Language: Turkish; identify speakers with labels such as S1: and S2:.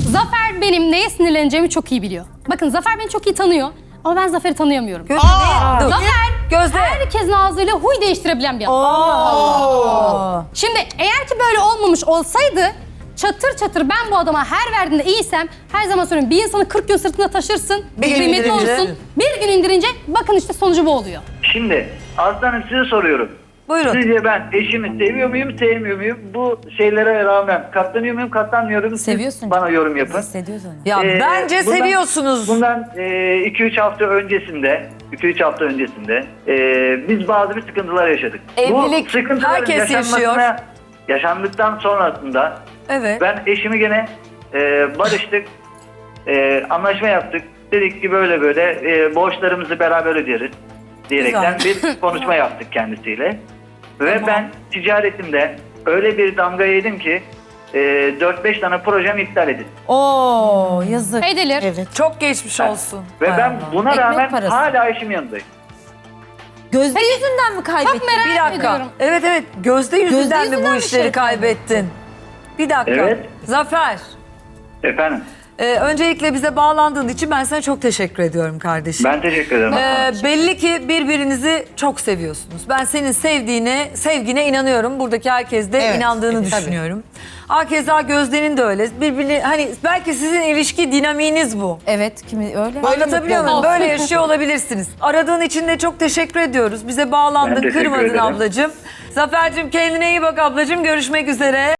S1: Zafer benim neye sinirleneceğimi çok iyi biliyor. Bakın Zafer beni çok iyi tanıyor ama ben Zafer'i tanıyamıyorum.
S2: Gözde ne? Dur.
S1: Zafer
S2: Gözde.
S1: herkesin ağzıyla huy değiştirebilen bir adam. Şimdi eğer ki böyle olmamış olsaydı çatır çatır ben bu adama her verdiğinde iyiysem her zaman söylüyorum bir insanı 40 gün sırtında taşırsın,
S2: Bir gün
S1: kıymetli
S2: indirince.
S1: olsun. Bir gün indirince bakın işte sonucu bu oluyor.
S3: Şimdi Aslanım size soruyorum.
S2: Buyurun.
S3: Sizce ben eşimi seviyor muyum, sevmiyor muyum? Bu şeylere rağmen katlanıyor muyum, katlanmıyor muyum? Siz
S4: Seviyorsun.
S3: bana yorum yapın.
S4: Hissediyorsun.
S2: Ya bence seviyorsunuz.
S3: Bundan 2-3 hafta öncesinde, biz bazı bir sıkıntılar yaşadık.
S2: Evlilik,
S3: Bu sıkıntıların
S2: herkes yaşıyor.
S3: Yaşandıktan sonrasında
S2: Evet.
S3: ben eşimi gene barıştık, anlaşma yaptık. Dedik ki böyle borçlarımızı beraber öderiz diyerekten bir konuşma yaptık kendisiyle. Ve ben ticaretimde öyle bir damga yedim ki 4-5 tane projem iptal edildi.
S4: Oo yazık.
S1: Edilir.
S4: Evet.
S2: Çok geçmiş olsun.
S3: Ve
S4: Hay
S3: ben
S4: Allah.
S3: buna
S4: Ekmek
S3: rağmen
S4: parası.
S3: hala eşimin yanındayım.
S4: Gözde yüzünden mi kaybettin?
S1: Çok merak
S2: Bir dakika.
S1: ediyorum.
S2: Evet Gözde yüzünden mi bu
S4: yüzünden bir
S2: işleri
S4: şey
S2: kaybettin? Bir dakika.
S3: Evet.
S2: Zafer.
S3: Efendim,
S2: Öncelikle bize bağlandığın için ben sana çok teşekkür ediyorum kardeşim.
S3: ben teşekkür ederim.
S2: Belli ki birbirinizi çok seviyorsunuz. Ben senin sevgine inanıyorum. Buradaki herkes de
S4: Evet,
S2: inandığını
S4: tabii.
S2: düşünüyorum. Hakeza Gözde'nin de öyle. Birbirini hani belki sizin ilişki dinamiğiniz bu.
S4: Evet kimi öyle.
S2: Anlatabiliyor muyum? Böyle yaşıyor olabilirsiniz. Aradığın için de çok teşekkür ediyoruz. Bize
S3: Ben
S2: bağlandın,
S3: teşekkür
S2: kırmadın
S3: ederim.
S2: ablacığım. Zafer'cim kendine iyi bak ablacığım. Görüşmek üzere.